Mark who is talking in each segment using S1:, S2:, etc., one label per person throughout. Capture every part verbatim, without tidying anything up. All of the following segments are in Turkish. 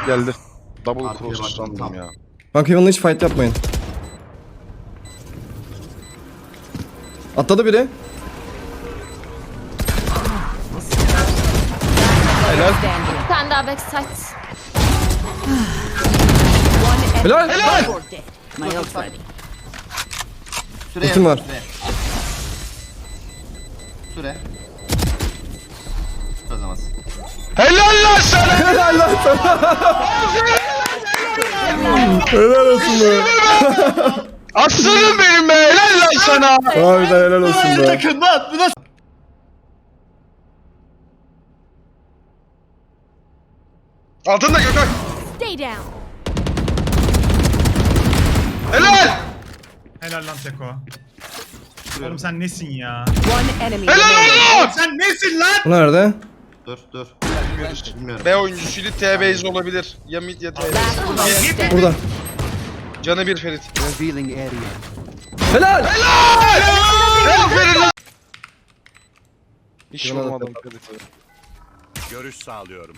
S1: Geldi. Double cross sandım ya.
S2: Kanka Heaven'la hiç fight yapmayın. Atladı biri. Helal.
S3: Bir tane daha backside.
S2: Helal.
S1: Helal.
S4: Süre
S2: Ultim var.
S4: Süre. Süre. Kazamaz.
S1: Helal lan sana.
S2: Helal lan sana. Helal olsun be.
S1: Aslanım benim be. Helal lan sana.
S2: Harbiden helal olsun be.
S4: Takım lan bu nasıl?
S1: Altında Gökhan.
S3: Stay down.
S1: Helal.
S5: Helal lan Teko. Oğlum sen nesin ya?
S6: One enemy
S1: Helal
S6: remaining.
S1: oğlum.
S5: Sen nesin lan?
S2: Bu nerede?
S4: Dur dur. Bilmiyorum.
S1: B oyuncusuydu. T-base olabilir. Ya mid ya T-base.
S6: Last player standing.
S2: Burada.
S1: Canı bir Ferit.
S2: Helal.
S1: Aferin lan. Hiç vurmadım Ferit'e.
S7: Görüş sağlıyorum.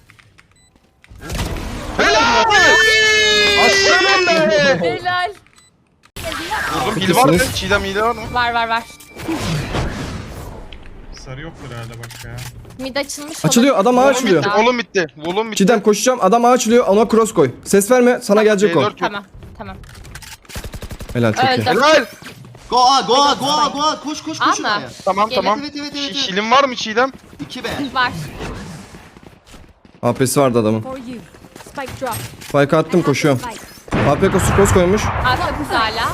S1: Helal. Aslanım be.
S3: Helal.
S1: Vurdum. Hil var mı? Çiğdem hile var mı?
S3: Var var var.
S5: Sarı yoktur herhalde bak ya.
S3: Mid açılmış.
S2: Açılıyor, adam ağa
S1: Volum
S2: açılıyor.
S1: bitti. Volum bitti. Volum bitti.
S2: Çiğdem koşacağım, adam ağa açılıyor, ona cross koy. Ses verme, sana gelecek o.
S1: C dört yok.
S3: Tamam tamam.
S2: Helal, çok iyi.
S3: Öldüm.
S1: Helal.
S4: Go A go A go A go A koş koş koş
S3: Ama.
S4: oraya.
S1: Tamam
S3: Gelin.
S1: tamam.
S4: Evet, evet, evet,
S1: Hi-
S4: evet.
S1: Hilin var mı Çiğdem?
S4: iki B.
S3: Var.
S2: A P'si vardı adamın.
S3: For you. Spike drop.
S2: Spike attım, koşuyorum. A P kosu cross koymuş.
S3: Arka kız hala.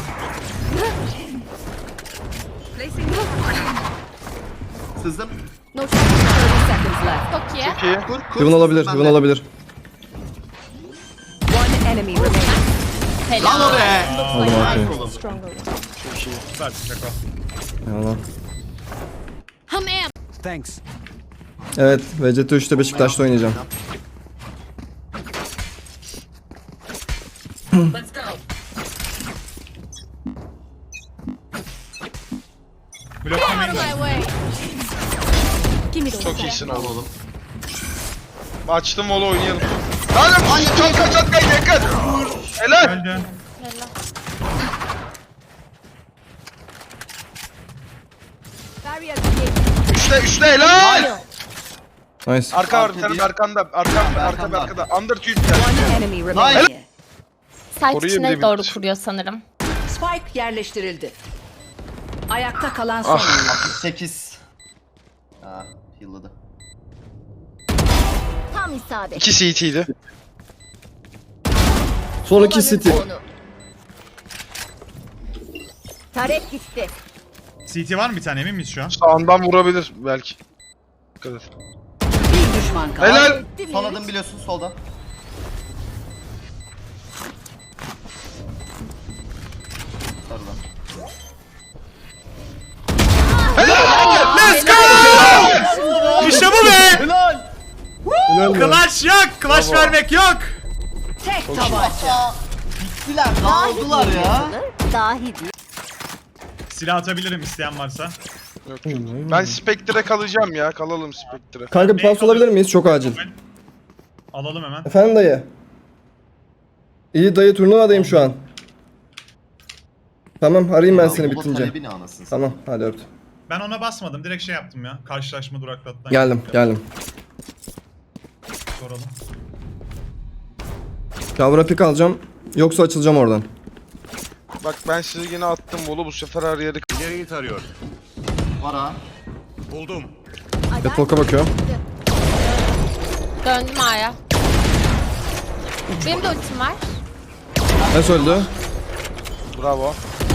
S4: Sızdım.
S3: No shot.
S6: thirty seconds left.
S3: Çok iyi.
S1: İki.
S4: Kur kur.
S2: Heaven olabilir,
S4: Ben
S2: Heaven
S4: de.
S2: olabilir.
S6: One enemy remaining.
S4: Lan o
S3: Helal.
S4: be.
S2: Aldım A P'yi.
S3: Stronger.
S5: Süper Teko.
S2: Eyvallah.
S3: Hamam.
S7: Thanks.
S2: Evet, V C T üçte Beşiktaş'ta oynayacağım.
S5: Bloklamayın.
S3: My way. Give me the
S1: Çok iyisin oğlum.
S4: Oğlum.
S1: Açtım volu oynayalım. Lan can kaç at kaç yakın. Helal.
S5: Öldü.
S3: Helal. Barrier created.
S1: Üçte üçte helal.
S2: Nice.
S1: Arka var
S4: Arka
S1: senin
S4: değil.
S1: arkanda. Arkanda arkada
S4: Arkanda.
S1: arkada. Under tüyüp
S6: One enemy remaining.
S3: Site
S1: Koruyor
S3: içine
S1: bile
S3: doğru
S1: bitti.
S3: kuruyor sanırım.
S6: Spike yerleştirildi. Ayakta kalan son.
S4: altmış sekiz. Aa, yılladı.
S3: Tam isabet.
S1: İki C T'ydi.
S2: Son iki City.
S3: Taret gitti.
S5: C T var mı bir tane emin miyiz şu an?
S1: Sağından vurabilir belki. Dikkat et.
S6: Bir düşman kaldı.
S1: Helal.
S4: Son adım biliyorsun solda. Sarıdan.
S5: Let's go! İşte bu be!
S4: Helal.
S2: Helal be.
S5: Clash yok! Clash vermek yok!
S6: Tek tabanca.
S4: Bittiler. Dağıldılar ya.
S3: Dahi değil.
S5: Silah atabilirim isteyen varsa.
S1: Yok yok. Ben Spectre'e kalacağım ya. Kalalım Spectre'e.
S2: Kanka bir pas olabilir miyiz? Çok acil.
S5: Alalım hemen.
S2: Efendim dayı. İyi dayı, turnuvadayım şu an. Tamam, arayayım ben seni
S4: Baba
S2: bitince.
S4: talebini anasını.
S2: Tamam, hadi öptüm.
S5: Ben ona basmadım. Direkt şey yaptım ya. Karşılaşma duraklattan.
S2: Geldim, geldim.
S5: Soralım.
S2: Kavra pik alacağım. Yoksa açılacağım oradan.
S1: Bak ben size yine attım volu. Bu sefer her yeri.
S7: İleriyi tarıyor.
S4: Var ha.
S7: Buldum.
S2: Catwalk'a bakıyorum.
S3: Döndüm A'ya. Benim de ultim var.
S2: Ne öldü?
S1: Bravo.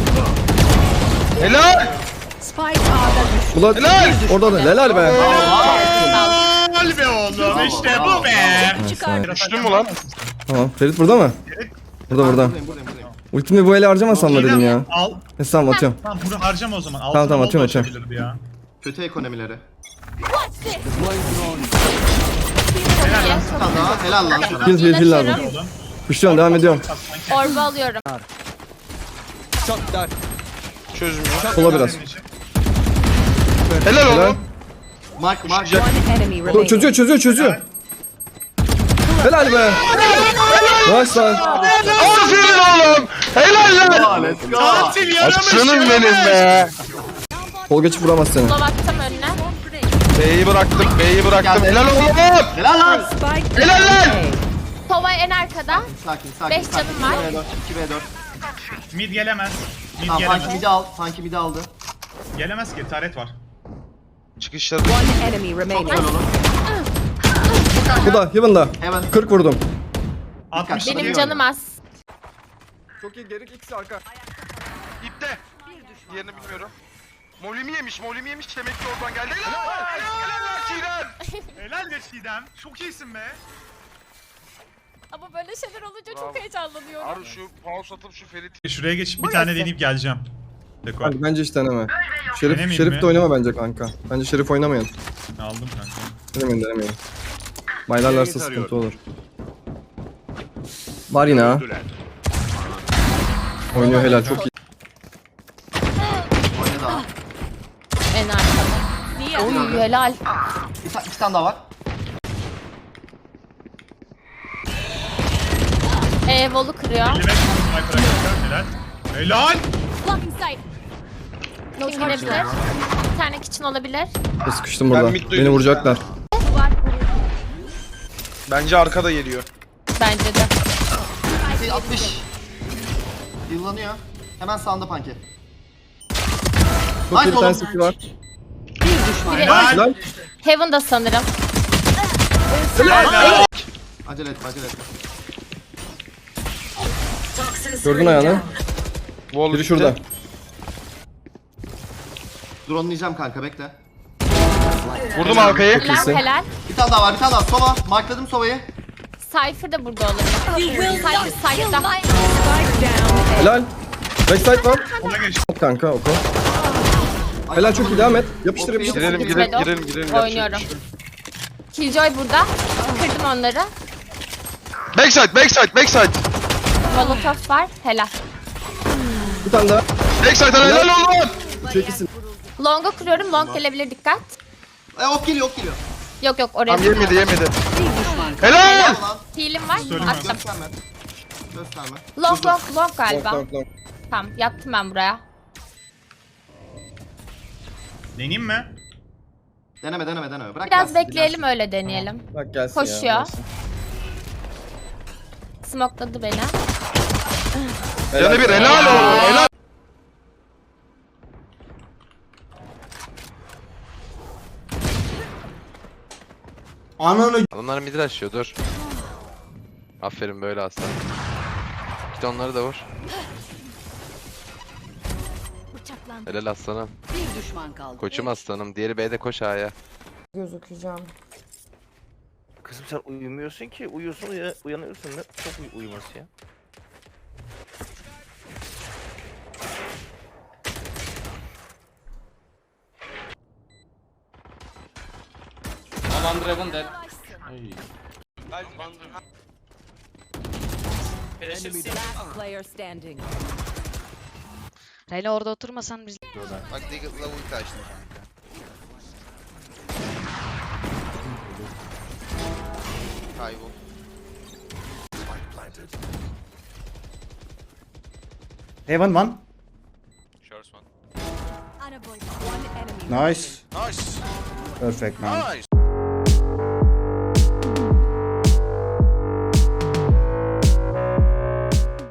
S1: Helal.
S6: Spike A'da düştü.
S2: Bulat.
S1: Helal.
S2: Orada da. Helal be.
S5: Helal be oğlum işte bu be.
S1: Düştün mü lan?
S2: Tamam. Ferit burada mı? Burada burada.
S4: Buradayım buradayım buradayım.
S2: Ultimi bu ele harcamasam mı dedim ya.
S5: Al.
S2: Neyse tamam, atıyorum.
S5: Tamam bunu harcama o zaman. Altına
S2: Tamam, tamam,
S5: bol da
S2: atıyorum, atıyorum.
S5: açabilirdi ya.
S4: Kötü ekonomileri.
S5: Helal lan.
S4: Bir tane daha. Helal lan sana.
S2: Heal heal heal lazım.
S5: Oğlum.
S2: Kuşluyorum, devam ediyorum.
S3: Orba alıyorum.
S1: Çözmüyor.
S2: Sola biraz.
S5: Senin için.
S1: Helal
S2: Helal.
S1: oğlum.
S4: Mark mark.
S6: One enemy remaining.
S2: Çözüyor çözüyor çözüyor. Helal be. Nice lan.
S1: Aferin oğlum. Helal lan.
S4: Let's go.
S5: Tatil yaramış.
S1: Aslanım benim be.
S2: Tolga hiç vuramaz seni.
S3: Sola baktım önüne.
S1: B'yi bıraktım. B'yi bıraktım.
S4: Geldi.
S1: Helal oğlum.
S4: Helal lan.
S6: Spike
S1: Helal lan.
S3: Sova en arkada.
S4: Sakin sakin.
S3: Beş
S4: sakin.
S3: canım var.
S4: iki v dört. iki v dört.
S5: Mid gelemez. Mid
S4: Tamam sanki
S5: gelemez.
S4: midi al. Sanki midi aldı.
S5: Gelemez ki taret var.
S1: Çıkışları.
S6: One enemy remaining.
S4: Güzel oğlum.
S2: Bu da Heaven'da.
S4: Heaven.
S2: kırk vurdum.
S5: altmış.
S3: Benim
S4: Bakıyorum.
S3: canım az.
S2: Çok iyi, geri ikisi arka.
S1: İpte. Diğerini bilmiyorum. Molimi yemiş, molimi yemiş. Demek ki oradan geldi. Helal lan. Helal lan Çiğdem.
S5: Helal be Çiğdem. Çok iyisin be.
S3: Ama böyle şeyler olunca
S1: Bravo.
S3: çok heyecanlanıyorum.
S1: Arı şu pause atıp şu Ferit.
S5: Şuraya geçip bir tane deneyip geleceğim. Deko.
S2: Kanka bence hiç deneme. Şerif,
S5: Denemeyeyim
S2: Şerif
S5: mi?
S2: de oynama bence kanka. Bence Şerif oynamayın.
S5: Aldım kanka.
S2: Denemeyin denemeyin. Baylarlarsa
S7: Seni
S2: sıkıntı
S7: tarıyorum.
S2: olur. Var yine ha.
S7: Öldüler.
S2: Oynuyor helal çok iyi.
S4: Oyna daha.
S3: En arkada. Oy helal.
S4: Bir, ta- iki tane daha var.
S3: Ee, Vol'u kırıyor.
S5: elli beş sniper'a geçer. Helal. Helal.
S3: Blocking sight. Kim girebilir? Bir tane kitchen olabilir.
S2: Sıkıştım burada.
S1: mid duydum.
S2: Beni vuracaklar.
S1: Bence arkada geliyor.
S3: Bence de.
S4: Şey altmış. Yıllanıyor. Hemen sağında panki.
S2: Çok iyi bir
S4: oğlum.
S2: tane siki var.
S6: Bir düşman
S3: Biri
S6: kaldı.
S2: Helal.
S3: Heaven'da sanırım.
S5: Helal.
S4: Acele etme acele etme.
S2: Gördün ayağını.
S1: Wall
S2: Biri şurada.
S4: Drone'layacağım kanka bekle.
S1: Vurdum halkayı.
S3: Helal
S2: iyisin.
S3: helal.
S4: Bir tane daha var bir tane daha. Sova. Markladım Sova'yı.
S3: Cypher da burada olabilir. Cypher side'da.
S2: Helal. Backside var.
S5: Ona geç.
S2: Hop kanka oku. Helal çok iyi, devam et. Yapıştır yapıştır.
S1: Girelim girelim
S3: Gitmedi o.
S1: girelim girelim. Yapacak
S3: Oynuyorum.
S1: bir şey yok.
S3: Killjoy burada. Kırdım onları.
S1: Backside backside backside.
S3: Molotov var. Helal.
S2: Bir tane daha.
S1: Backside helal oğlum.
S2: Çekilsin.
S3: Long'a kuruyorum. Long gelebilir dikkat.
S4: E ok geliyor ok geliyor.
S3: Yok yok oraya.
S1: Tam yemedi yemedi.
S6: Bir düşman kaldı.
S1: Helal.
S4: Lan
S3: Heal'im var.
S5: Söyleme.
S3: Attım.
S4: gösterme. Gösterme.
S3: Long long long
S2: Long
S3: galiba.
S2: long long.
S3: Tamam yattım ben buraya.
S5: Deneyeyim mi?
S4: Deneme deneme deneme. Bırak
S3: Biraz
S4: gelsin,
S3: bekleyelim
S4: dinlensin.
S3: öyle deneyelim.
S2: Bak gelsin
S3: Koşuyor.
S2: ya. gelsin.
S3: Smokladı beni.
S1: Canı bir helal oğlum helal.
S4: Ananı.
S8: Adamlar midi açıyor dur. Aferin böyle aslan. Git onları da vur. Helal aslanım.
S6: Bir düşman kaldı.
S8: Koçum aslanım. Diğeri B'de koş A'ya.
S9: Kızım sen uyumuyorsun ki. Uyuyorsun uya- uyanıyorsun. Ne çok uy- uyuması ya.
S6: Last player standing.
S10: Reyna orada oturmasan biz...
S8: Bak Deagle'la ulti açtım kanka. Kaybol.
S9: Heaven one.
S8: Shorts one.
S9: Nice.
S8: Nice.
S9: Perfect man.
S8: Nice.